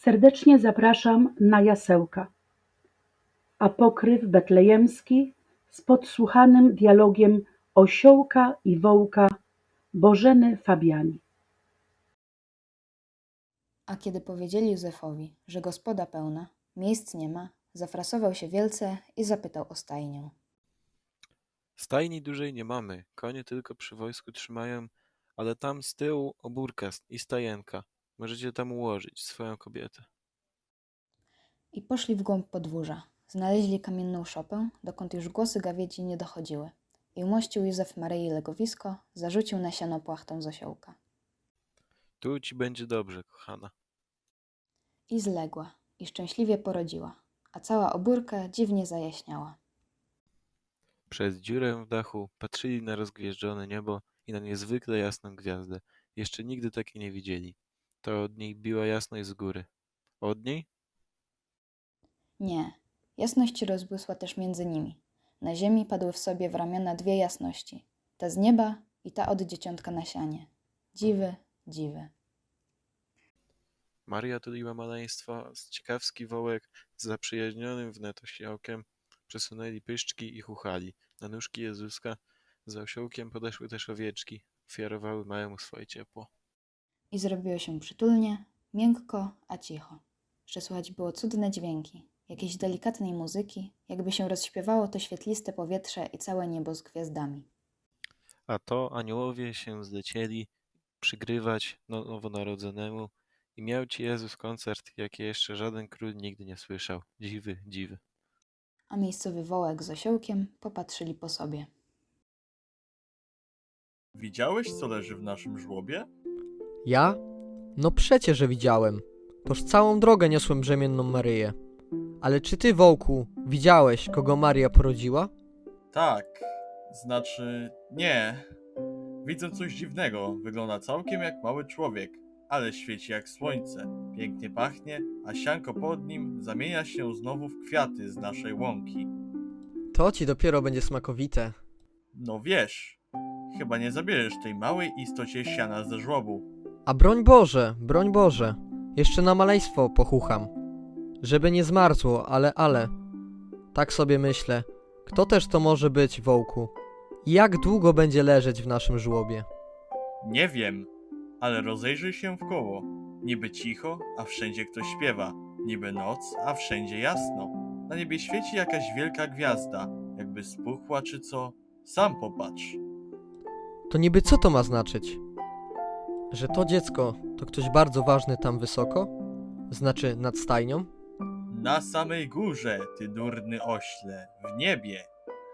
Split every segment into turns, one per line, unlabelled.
Serdecznie zapraszam na jasełka. Apokryf betlejemski z podsłuchanym dialogiem osiołka i wołka Bożeny Fabiani.
A kiedy powiedzieli Józefowi, że gospoda pełna, miejsc nie ma, zafrasował się wielce i zapytał o stajnię.
Stajni dużej nie mamy, konie tylko przy wojsku trzymają, ale tam z tyłu obórka i stajenka. Możecie tam ułożyć swoją kobietę.
I poszli w głąb podwórza. Znaleźli kamienną szopę, dokąd już głosy gawiedzi nie dochodziły. I umościł Józef Maryi legowisko, zarzucił na siano płachtą z osiołka.
Tu ci będzie dobrze, kochana.
I zległa, i szczęśliwie porodziła, a cała obórka dziwnie zajaśniała.
Przez dziurę w dachu patrzyli na rozgwieżdżone niebo i na niezwykle jasną gwiazdę. Jeszcze nigdy takiej nie widzieli. To od niej biła jasność z góry. Od niej?
Nie, jasność rozbłysła też między nimi. Na ziemi padły w sobie w ramiona dwie jasności. Ta z nieba i ta od dzieciątka na sianie. Dziwy, dziwy.
Maria tuliła maleństwo, z ciekawski wołek z zaprzyjaźnionym wnet osiołkiem przesunęli pyszczki i chuchali. Na nóżki Jezuska za osiołkiem podeszły też owieczki, ofiarowały małemu swoje ciepło.
I zrobiło się przytulnie, miękko, a cicho. Że słychać było cudne dźwięki, jakiejś delikatnej muzyki, jakby się rozśpiewało to świetliste powietrze i całe niebo z gwiazdami.
A to aniołowie się zlecieli przygrywać nowonarodzonemu i miał ci Jezus koncert, jaki jeszcze żaden król nigdy nie słyszał. Dziwy, dziwy.
A miejscowy wołek z osiołkiem popatrzyli po sobie.
Widziałeś, co leży w naszym żłobie?
Ja? No przecie, że widziałem. Toż całą drogę niosłem brzemienną Maryję. Ale czy ty, wołku, widziałeś, kogo Maria porodziła?
Tak, znaczy nie. Widzę coś dziwnego. Wygląda całkiem jak mały człowiek, ale świeci jak słońce. Pięknie pachnie, a sianko pod nim zamienia się znowu w kwiaty z naszej łąki.
To ci dopiero będzie smakowite.
No wiesz, chyba nie zabierzesz tej małej istocie siana ze żłobu.
A broń Boże, jeszcze na maleństwo pochucham. Żeby nie zmarzło, ale. Tak sobie myślę, kto też to może być, wołku? Jak długo będzie leżeć w naszym żłobie?
Nie wiem, ale rozejrzyj się w koło. Niby cicho, a wszędzie ktoś śpiewa. Niby noc, a wszędzie jasno. Na niebie świeci jakaś wielka gwiazda, jakby spuchła czy co. Sam popatrz.
To niby co to ma znaczyć? Że to dziecko to ktoś bardzo ważny tam wysoko? Znaczy nad stajnią?
Na samej górze, ty durny ośle, w niebie.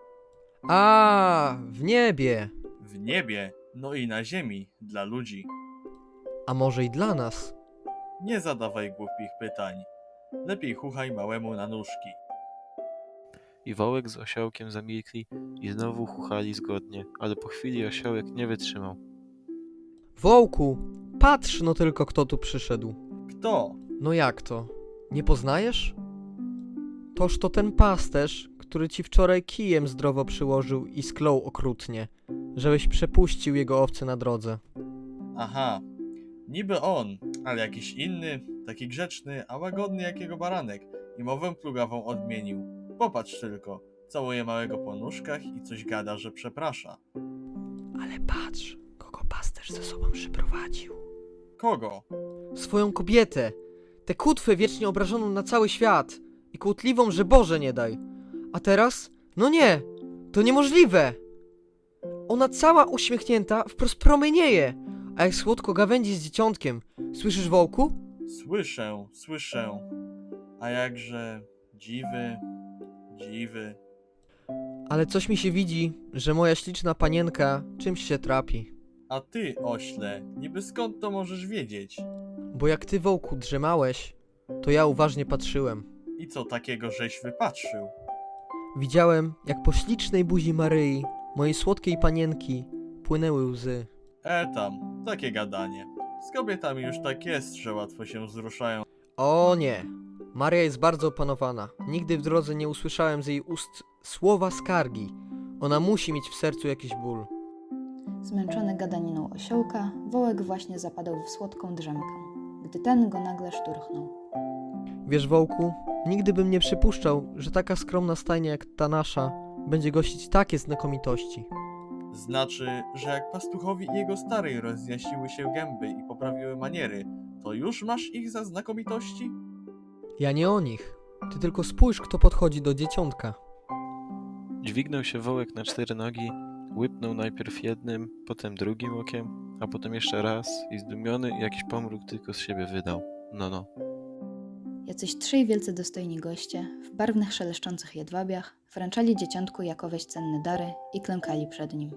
A, w niebie!
W niebie, no i na ziemi, dla ludzi.
A może i dla nas?
Nie zadawaj głupich pytań. Lepiej chuchaj małemu na nóżki.
I wołek z osiołkiem zamilkli i znowu chuchali zgodnie, ale po chwili osiołek nie wytrzymał.
Wołku, patrz no tylko kto tu przyszedł.
Kto?
No jak to? Nie poznajesz? Toż to ten pasterz, który ci wczoraj kijem zdrowo przyłożył i sklął okrutnie, żebyś przepuścił jego owce na drodze.
Aha, niby on, ale jakiś inny, taki grzeczny, a łagodny jak jego baranek i mowę plugawą odmienił. Popatrz tylko, całuje małego po nóżkach i coś gada, że przeprasza.
Ale patrz, kogo pasterz ze sobą przyprowadził.
Kogo?
Swoją kobietę, tę kutwę wiecznie obrażoną na cały świat i kłótliwą, że Boże nie daj. A teraz? No nie, to niemożliwe. Ona cała uśmiechnięta wprost promienieje, a jak słodko gawędzi z dzieciątkiem. Słyszysz, wołku?
Słyszę. A jakże dziwy, dziwy.
Ale coś mi się widzi, że moja śliczna panienka czymś się trapi.
A ty, ośle, niby skąd to możesz wiedzieć?
Bo jak ty, wołku, drzemałeś, to ja uważnie patrzyłem.
I co takiego żeś wypatrzył?
Widziałem, jak po ślicznej buzi Maryi, mojej słodkiej panienki, płynęły łzy.
Tam, takie gadanie. Z kobietami już tak jest, że łatwo się wzruszają.
O nie, Maria jest bardzo opanowana. Nigdy w drodze nie usłyszałem z jej ust słowa skargi. Ona musi mieć w sercu jakiś ból.
Zmęczony gadaniną osiołka, wołek właśnie zapadał w słodką drzemkę, gdy ten go nagle szturchnął.
Wiesz, Wołku, nigdy bym nie przypuszczał, że taka skromna stajnia jak ta nasza będzie gościć takie znakomitości.
Znaczy, że jak pastuchowi i jego starej rozjaśniły się gęby i poprawiły maniery, to już masz ich za znakomitości?
Ja nie o nich. Ty tylko spójrz, kto podchodzi do dzieciątka.
Dźwignął się wołek na 4 nogi, łypnął najpierw jednym, potem drugim okiem, a potem jeszcze raz i zdumiony jakiś pomruk tylko z siebie wydał. No.
Jacyś 3 wielce dostojni goście, w barwnych szeleszczących jedwabiach, wręczali dzieciątku jakoweś cenne dary i klękali przed nim.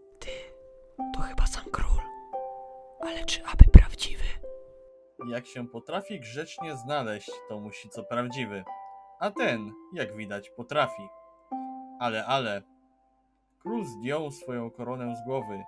To chyba sam król. Ale czy aby prawdziwy?
Jak się potrafi grzecznie znaleźć, to musi co prawdziwy. A ten, jak widać, potrafi. Ale. Król zdjął swoją koronę z głowy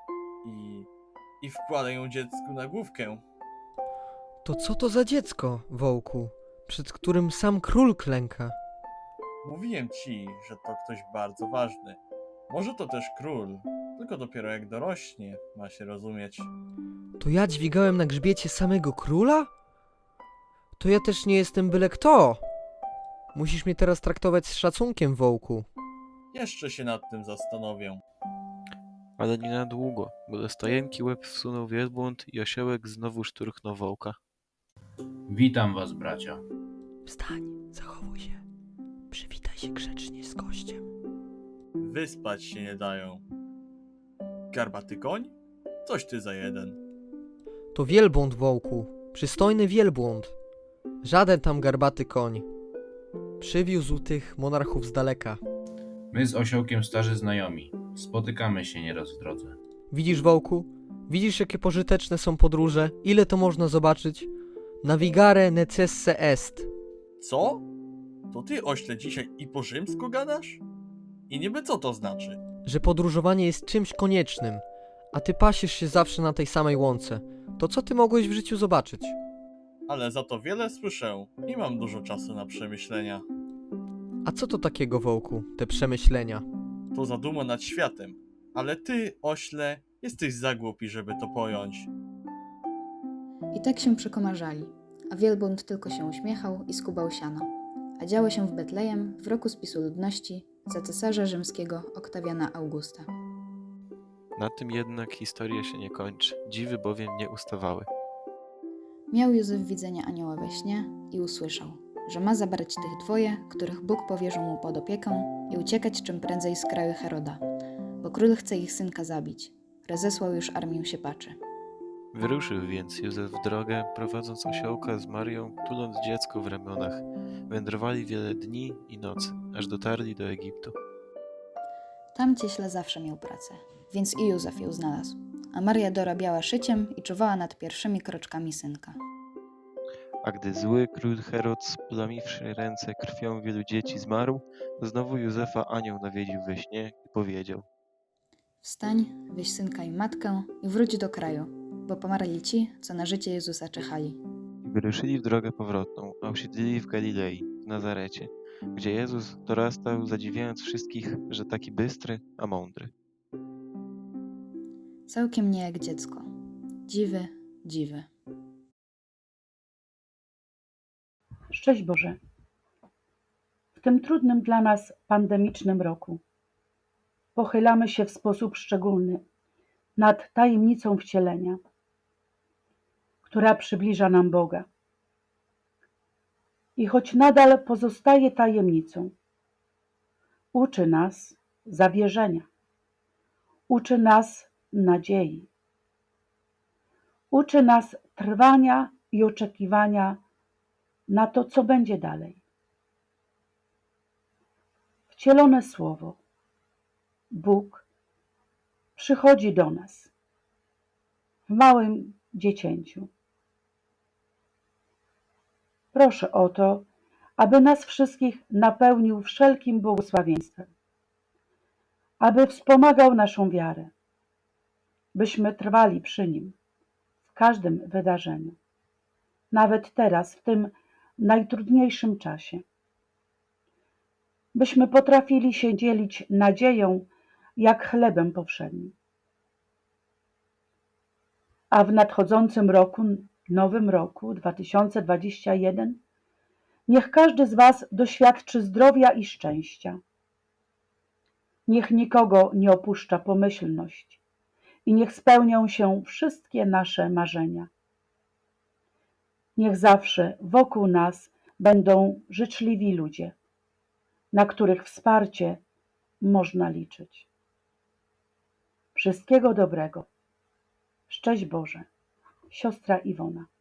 i wkłada ją dziecku na główkę.
To co to za dziecko, Wołku, przed którym sam król klęka?
Mówiłem ci, że to ktoś bardzo ważny. Może to też król, tylko dopiero jak dorośnie, ma się rozumieć.
To ja dźwigałem na grzbiecie samego króla? To ja też nie jestem byle kto. Musisz mnie teraz traktować z szacunkiem, Wołku.
Jeszcze się nad tym zastanowię.
Ale nie na długo, bo do stajenki łeb wsunął wielbłąd i osiołek znowu szturchnął wołka.
Witam was, bracia.
Wstań, zachowuj się. Przywitaj się grzecznie z gościem.
Wyspać się nie dają. Garbaty koń? Coś ty za jeden.
To wielbłąd, Wołku. Przystojny wielbłąd. Żaden tam garbaty koń. Przywiózł tych monarchów z daleka.
My z osiołkiem starzy znajomi. Spotykamy się nieraz w drodze.
Widzisz, Wołku? Widzisz, jakie pożyteczne są podróże? Ile to można zobaczyć? Navigare necesse est.
Co? To ty, ośle, dzisiaj i po rzymsku gadasz? I niby co to znaczy?
Że podróżowanie jest czymś koniecznym, a ty pasiesz się zawsze na tej samej łące. To co ty mogłeś w życiu zobaczyć?
Ale za to wiele słyszę i mam dużo czasu na przemyślenia.
A co to takiego, Wołku, te przemyślenia?
To zaduma nad światem. Ale ty, ośle, jesteś za głupi, żeby to pojąć.
I tak się przekomarzali, a wielbłąd tylko się uśmiechał i skubał siano. A działo się w Betlejem w roku spisu ludności za cesarza rzymskiego Oktawiana Augusta.
Na tym jednak historia się nie kończy, dziwy bowiem nie ustawały.
Miał Józef widzenie anioła we śnie i usłyszał, że ma zabrać tych 2, których Bóg powierzył mu pod opiekę i uciekać czym prędzej z kraju Heroda, bo król chce ich synka zabić. Rozesłał już armię siepaczy.
Wyruszył więc Józef w drogę, prowadząc osiołka z Marią, tuląc dziecko w ramionach. Wędrowali wiele dni i nocy, aż dotarli do Egiptu.
Tam cieśla zawsze miał pracę, więc i Józef ją znalazł, a Maria dorabiała szyciem i czuwała nad pierwszymi kroczkami synka.
A gdy zły król Herod, splamiwszy ręce krwią wielu dzieci, zmarł, to znowu Józefa anioł nawiedził we śnie i powiedział:
Wstań, weź synka i matkę i wróć do kraju, bo pomarli ci, co na życie Jezusa czekali.
I wyruszyli w drogę powrotną, a usiedlili w Galilei, w Nazarecie, gdzie Jezus dorastał, zadziwiając wszystkich, że taki bystry, a mądry.
Całkiem nie jak dziecko. Dziwy, dziwy.
Szczęść Boże! W tym trudnym dla nas pandemicznym roku pochylamy się w sposób szczególny nad tajemnicą wcielenia, która przybliża nam Boga. I choć nadal pozostaje tajemnicą, uczy nas zawierzenia, uczy nas nadziei, uczy nas trwania i oczekiwania na to, co będzie dalej. Wcielone Słowo, Bóg, przychodzi do nas w małym dziecięciu. Proszę o to, aby nas wszystkich napełnił wszelkim błogosławieństwem, aby wspomagał naszą wiarę, byśmy trwali przy Nim w każdym wydarzeniu, nawet teraz, w tym najtrudniejszym czasie, byśmy potrafili się dzielić nadzieją jak chlebem powszednim. A w nadchodzącym roku, nowym roku 2021, Niech każdy z Was doświadczy zdrowia i szczęścia. Niech nikogo nie opuszcza pomyślność i niech spełnią się wszystkie nasze marzenia. Niech zawsze wokół nas będą życzliwi ludzie, na których wsparcie można liczyć. Wszystkiego dobrego. Szczęść Boże. Siostra Iwona.